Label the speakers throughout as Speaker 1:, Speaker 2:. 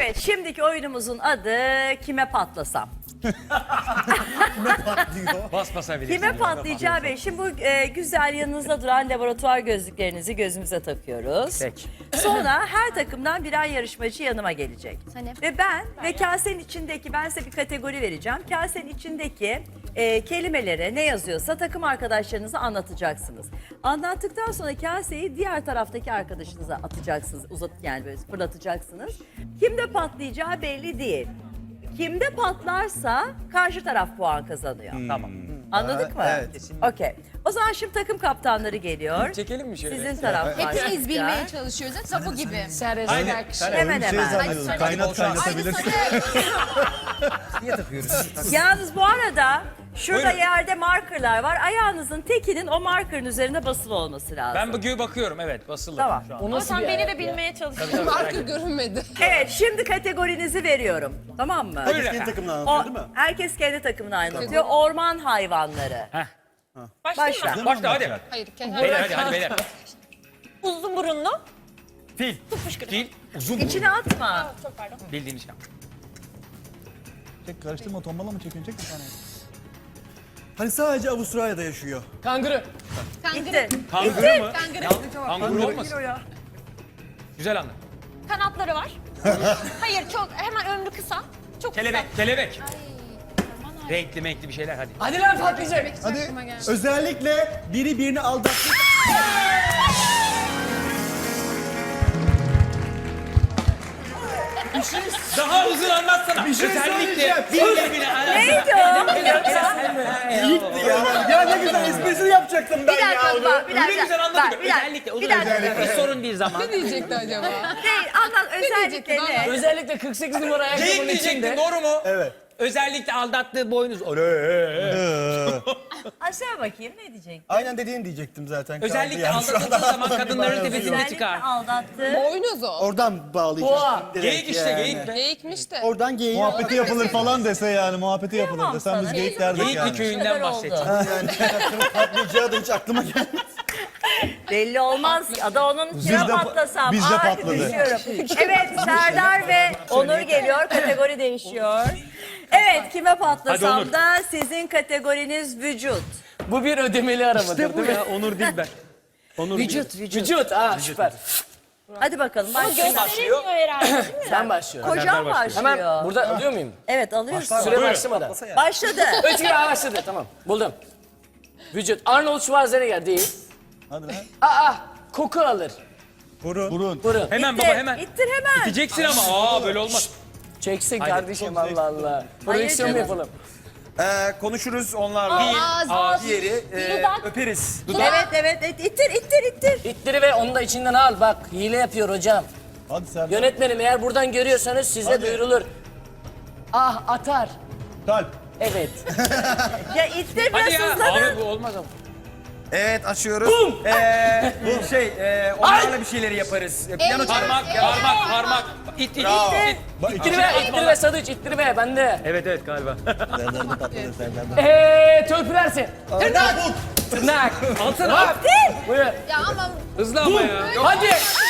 Speaker 1: Evet, şimdiki oyunumuzun adı Kime Patlasam?
Speaker 2: Bas basabilirsin.
Speaker 1: Kime patlayacağı belli. Şimdi bu güzel yanınızda duran laboratuvar gözlüklerinizi gözümüze takıyoruz.
Speaker 2: Peki.
Speaker 1: Sonra her takımdan birer yarışmacı yanıma gelecek.
Speaker 3: Hani?
Speaker 1: Ve ben kasenin içindeki, ben size bir kategori vereceğim. Kasenin içindeki kelimelere ne yazıyorsa takım arkadaşlarınıza anlatacaksınız. Anlattıktan sonra kaseyi diğer taraftaki arkadaşınıza atacaksınız. Yani böyle fırlatacaksınız. Kimde patlayacağı belli değil. Kimde patlarsa karşı taraf puan kazanıyor.
Speaker 2: Tamam.
Speaker 1: Anladık mı?
Speaker 4: Evet.
Speaker 1: Okey. O zaman şimdi takım kaptanları geliyor.
Speaker 2: Çekelim mi şöyle?
Speaker 1: Sizin taraflar.
Speaker 3: Hepimiz bilmeye çalışıyoruz. Tapu gibi.
Speaker 2: Aynen.
Speaker 1: Hemen hemen.
Speaker 4: zannediyordum. Kaynat kaynatabilirsin.
Speaker 2: Niye takıyoruz?
Speaker 1: Yalnız bu arada şurada
Speaker 2: Buyurun.
Speaker 1: yerde markerlar var. Ayağınızın tekinin o markerın üzerine basılı olması lazım.
Speaker 2: Ben bugün bakıyorum, evet, basılı.
Speaker 1: Tamam.
Speaker 2: Şu an.
Speaker 3: Ama sen beni de bilmeye çalışıyorsun.
Speaker 5: Marka görünmedi.
Speaker 1: Evet, şimdi kategorinizi veriyorum. Tamam mı?
Speaker 2: Buyurun
Speaker 4: Kendi
Speaker 2: efendim.
Speaker 4: takımını anlatıyor
Speaker 1: O,
Speaker 4: değil mi?
Speaker 1: herkes kendi takımını anlatıyor. Orman hayvanları.
Speaker 2: Heh.
Speaker 1: Başla.
Speaker 2: Başla hadi.
Speaker 5: Hayır,
Speaker 2: Beyler hadi beyler.
Speaker 3: Uzun burunlu.
Speaker 2: Fil. Fil. Uzun
Speaker 1: İçine atma.
Speaker 3: Çok pardon.
Speaker 2: bildiğin şey.
Speaker 4: Çek karıştırma, tombala mı çekiyorsun? Çek bir tane. Hani sadece Avustralya'da yaşıyor.
Speaker 5: Kanguru.
Speaker 1: Gitti.
Speaker 2: Kanguru mu? Kanguru olmasın? Güzel anlat.
Speaker 3: Kanatları var. Hayır çok hemen ömrü kısa. Çok
Speaker 2: Kelebek,
Speaker 3: kısa.
Speaker 2: kelebek.
Speaker 3: Aman Allah'ım.
Speaker 2: Renkli menkli bir şeyler hadi.
Speaker 5: Hadi lan patlayacak.
Speaker 4: Hadi. Özellikle biri birini aldattı.
Speaker 2: Daha uzun anlatsana.
Speaker 4: Bir şey söyleyeceğim.
Speaker 2: Birbirine
Speaker 1: Neydi o?
Speaker 4: Ya ne güzel esprisini yapacaktım ben
Speaker 1: Bir dakika bak, bir dakika.
Speaker 2: Öyle güzel anlatıyor.
Speaker 1: Bak, bir dakika,
Speaker 2: Özellikle, o
Speaker 1: bir
Speaker 2: da
Speaker 1: dakika.
Speaker 2: özellikle. Bir sorun değil zaman.
Speaker 5: Ne diyecekti acaba?
Speaker 1: Değil, anlat özellikle ne?
Speaker 6: Özellikle 48 numara
Speaker 2: Geyik
Speaker 6: ayakkabının
Speaker 2: diyecektin,
Speaker 6: içinde.
Speaker 2: doğru mu?
Speaker 4: Evet.
Speaker 2: Özellikle aldattığı boynuz.
Speaker 1: Aşağı bakayım ne diyecektin?
Speaker 4: Aynen dediğini diyecektim zaten.
Speaker 2: Özellikle
Speaker 4: Yani şu
Speaker 2: aldatıldığı
Speaker 4: anda
Speaker 2: zaman
Speaker 4: aklıma
Speaker 2: kadınların
Speaker 4: bir
Speaker 2: tepesine
Speaker 4: yazıyor.
Speaker 2: çıkar.
Speaker 1: Aldattı.
Speaker 5: Boynuz o.
Speaker 4: Oradan bağlayacağım. direkt
Speaker 2: Geyik işte,
Speaker 4: yani.
Speaker 2: geyik be.
Speaker 5: Geyikmiş de.
Speaker 4: Oradan geyiği
Speaker 7: Muhabbeti yapılır falan dese yani muhabbeti yapılır desem biz geyik derdik
Speaker 2: Geyikli
Speaker 7: yani.
Speaker 2: köyünden bahsedeceğim.
Speaker 4: yani patlayacağı da hiç aklıma gelmedi.
Speaker 1: Belli olmaz. Ada onun kime
Speaker 7: Bizde-
Speaker 1: patlasam.
Speaker 7: bizde
Speaker 1: Ay,
Speaker 7: patladı.
Speaker 1: düşüyorum. Evet, Serdar ve Onur geliyor. Kategori değişiyor. Evet, kime
Speaker 2: Hadi
Speaker 1: patlasam
Speaker 2: Onur.
Speaker 1: da sizin kategoriniz vücut.
Speaker 6: Bu bir ödemeli aramadır
Speaker 2: İşte bu
Speaker 6: değil mi?
Speaker 2: ya, Onur değil ben. Onur
Speaker 1: Vücut, vücut.
Speaker 6: Vücut. Süper.
Speaker 1: Hadi bakalım başlayalım.
Speaker 3: Gösterilmiyor herhalde değil mi?
Speaker 6: Ben başlıyorum.
Speaker 1: Kocam
Speaker 6: Hemen
Speaker 1: başlıyor.
Speaker 6: burada alıyor muyum?
Speaker 1: Evet, alıyorsun.
Speaker 6: Süre başlamadan.
Speaker 1: Başladı.
Speaker 6: 3 gibi başladı. Tamam. Buldum. Vücut. Arnold Schwarzenegger değil.
Speaker 7: Hadi lan.
Speaker 6: Koku alır.
Speaker 7: Burun.
Speaker 6: Burun.
Speaker 2: Hemen
Speaker 1: İttir,
Speaker 2: baba hemen.
Speaker 1: İttir hemen.
Speaker 2: Diyeceksin ama böyle olmaz.
Speaker 6: Çeksin
Speaker 2: Haydi.
Speaker 6: kardeşim Allah Allah. Prodüksiyon mu
Speaker 1: canım.
Speaker 6: yapalım?
Speaker 4: Konuşuruz onlarla.
Speaker 3: Ağız.
Speaker 4: Diğeri
Speaker 3: Dudak.
Speaker 4: öperiz.
Speaker 1: Evet. İttir.
Speaker 6: İttiri ve onu da içinden al. Bak hile yapıyor hocam.
Speaker 7: Hadi Serdar.
Speaker 6: Yönetmenim eğer buradan görüyorsanız size duyurulur. Atar.
Speaker 7: Kalp.
Speaker 6: Evet.
Speaker 1: Ya ittir
Speaker 2: Hadi
Speaker 1: biraz
Speaker 2: ya.
Speaker 1: hızlanın.
Speaker 2: Abi bu olmaz ama.
Speaker 4: Evet açıyoruz. Onlarla bir şeyleri yaparız. Piyano çalarız.
Speaker 2: Parmak. İt.
Speaker 6: İttiri ve Sadıç ittiri ve bende.
Speaker 2: Evet galiba.
Speaker 4: Serdar'da patladı Serdar'da.
Speaker 6: Törpülersin. Tırnak.
Speaker 2: Alsana.
Speaker 6: Buyur.
Speaker 3: Ya ama
Speaker 2: Hızlı ama ya.
Speaker 6: Hadi.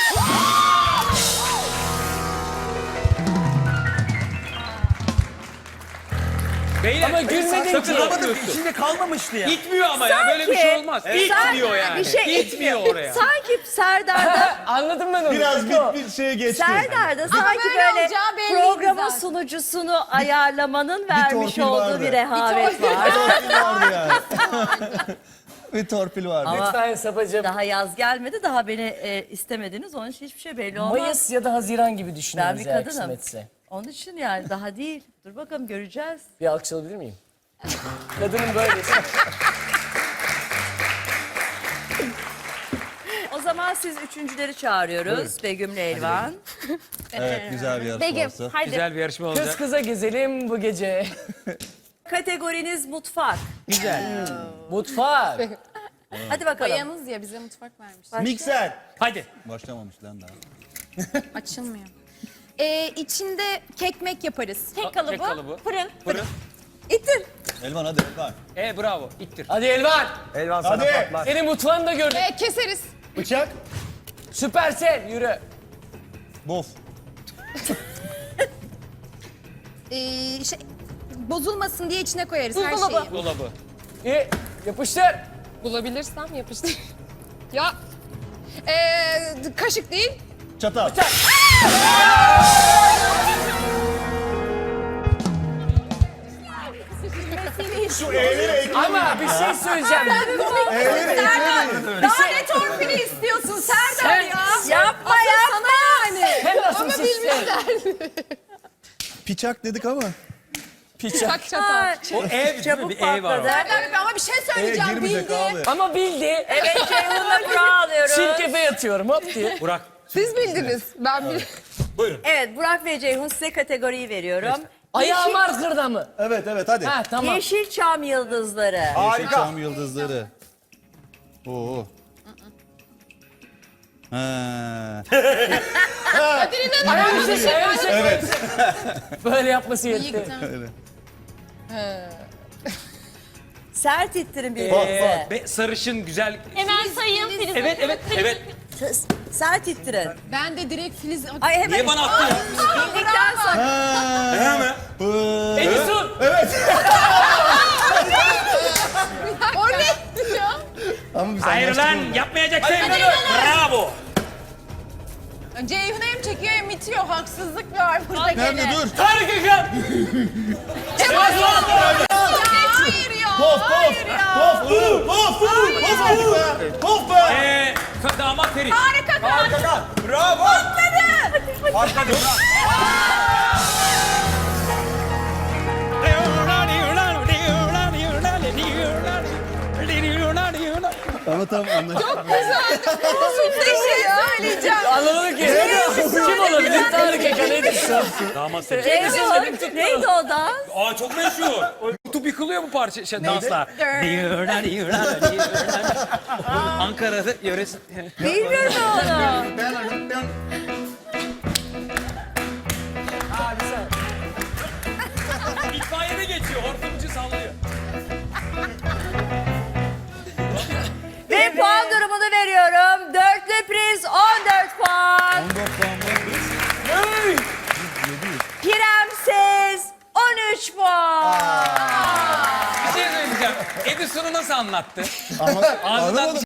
Speaker 2: Beyler.
Speaker 6: Ama gülmedin
Speaker 2: sakın
Speaker 6: ki.
Speaker 2: yapmıyorsun.
Speaker 4: İçinde kalmamıştı ya.
Speaker 2: İtmiyor ama ya, böyle bir şey olmaz. İtmiyor yani.
Speaker 1: Bir şey
Speaker 2: İtmiyor oraya.
Speaker 1: Sanki Serdar'da
Speaker 6: Anladım ben onu.
Speaker 7: Biraz bir şeye geçti.
Speaker 1: Serdar'da sanki
Speaker 3: böyle
Speaker 1: böyle
Speaker 3: olacağı belliydi
Speaker 1: programın
Speaker 3: zaten.
Speaker 1: sunucusunu ayarlamanın vermiş
Speaker 7: torpil
Speaker 1: olduğu
Speaker 7: vardı.
Speaker 1: bir rehavet var.
Speaker 7: Torpil vardı yani. Bir torpil vardı.
Speaker 1: Ama
Speaker 6: Lütfen Sapacığım.
Speaker 1: daha yaz gelmedi, daha beni istemediniz. Onun için hiçbir şey belli olmaz.
Speaker 6: Mayıs ya da Haziran gibi
Speaker 1: Ben
Speaker 6: düşünüyoruz
Speaker 1: bir
Speaker 6: eğer
Speaker 1: kadınım.
Speaker 6: kısmetse.
Speaker 1: Onun için yani daha değil. Dur bakalım göreceğiz.
Speaker 6: Bir alkış alabilir miyim? Kadının böylesi.
Speaker 1: O zaman siz üçüncüleri çağırıyoruz. Begüm'le Elvan.
Speaker 7: Evet güzel bir yarışma
Speaker 3: Begüm
Speaker 7: olsa.
Speaker 3: hadi.
Speaker 2: Güzel bir yarışma olacak.
Speaker 6: Kız kıza gezelim bu gece.
Speaker 1: Kategoriniz mutfak.
Speaker 6: Mutfak.
Speaker 1: Hadi bakalım.
Speaker 3: Bayanız ya bize mutfak vermiş.
Speaker 4: Mikser.
Speaker 2: Hadi.
Speaker 7: Başlamamış lan daha.
Speaker 3: Açılmıyor. İçinde kekmek yaparız. Kek
Speaker 2: kek kalıbı.
Speaker 3: Fırın.
Speaker 1: İttir.
Speaker 7: Elvan hadi Elvan.
Speaker 2: Bravo. İttir.
Speaker 6: Hadi Elvan.
Speaker 4: Elvan sana
Speaker 7: Hadi.
Speaker 4: patlar.
Speaker 6: Senin mutfağını da gördük.
Speaker 5: Keseriz.
Speaker 7: Bıçak.
Speaker 6: Süpersel yürü.
Speaker 7: Bof.
Speaker 8: şey, bozulmasın diye içine koyarız her
Speaker 3: Buzdolabı.
Speaker 8: şeyi.
Speaker 2: Dolabı.
Speaker 6: İyi. Yapıştır.
Speaker 5: Bulabilirsem yapıştır. Ya. Kaşık değil.
Speaker 4: Çatal.
Speaker 6: Ama bir şey söyleyeceğim.
Speaker 8: Daha ne torpili istiyorsun Serdar ya?
Speaker 1: Yapma yapma.
Speaker 6: Sen nasıl
Speaker 5: Ama
Speaker 6: sistem?
Speaker 5: bilmişler.
Speaker 4: Piçak dedik ama.
Speaker 5: Çak çatal.
Speaker 2: O ev
Speaker 1: Çabuk
Speaker 2: bir ev var.
Speaker 1: patladı.
Speaker 8: Serdar Bey ama bir şey söyleyeceğim
Speaker 4: Girmeyecek
Speaker 8: bildi.
Speaker 4: abi.
Speaker 6: Ama bildi.
Speaker 1: Evet Ceyhun'la kura alıyoruz.
Speaker 6: Çirkefe yatıyorum hop diye.
Speaker 2: Burak.
Speaker 5: Siz bildiniz. Ben bil.
Speaker 1: Evet Burak ve Ceyhun size kategoriyi veriyorum.
Speaker 6: Ayağım arkırda mı?
Speaker 4: Evet hadi.
Speaker 6: Ha tamam.
Speaker 1: Yeşilçam yıldızları.
Speaker 4: Yeşilçam yıldızları. Oo. Ha.
Speaker 6: Ayağım evet. Böyle yapması yetti.
Speaker 1: Sert ittirin birbirinize.
Speaker 2: Sarışın güzel.
Speaker 3: Hemen sayayım. Filiz.
Speaker 2: Evet.
Speaker 1: Sert ittirin.
Speaker 5: Ben de direkt Filiz...
Speaker 1: Ay hemen
Speaker 2: Niye bana attın ya?
Speaker 1: bildikten sonra.
Speaker 6: Edison.
Speaker 5: O ne ya?
Speaker 4: Ama biz
Speaker 2: Hayır lan yapmayacaksın. Bravo.
Speaker 8: Ceyhun hem çekiyor hem itiyor. Haksızlık var burada
Speaker 4: Nerede
Speaker 8: gene.
Speaker 4: dur?
Speaker 6: Tarık Akan.
Speaker 8: Hayır ya. Hayır ya.
Speaker 4: Pof be.
Speaker 2: Damat Ferit.
Speaker 8: Harika kan.
Speaker 2: Bravo. Patladı.
Speaker 4: Tamam anlaştık.
Speaker 8: Bir şey söyleyeceğim.
Speaker 6: Anlamadım ki. Kim olabilir? Tarık Akan Edison.
Speaker 2: Damat Ferit.
Speaker 1: Ceyhun neydi o da?
Speaker 2: Aa çok meşhur. YouTube yıkılıyor bu parça danslar. Ankara'da yöresi.
Speaker 1: Bilmiyorum onu.
Speaker 2: İtfaiyede geçiyor. Hortumcu sallıyor.
Speaker 1: Ve puan durumunu veriyorum. Dörtlü priz 14 puan.
Speaker 4: 14 puan var.
Speaker 1: Premsiz 13 puan.
Speaker 2: Bir şey söyleyeceğim. Edison'u nasıl anlattı?
Speaker 4: Ama
Speaker 2: Ağzından
Speaker 4: anlamadım.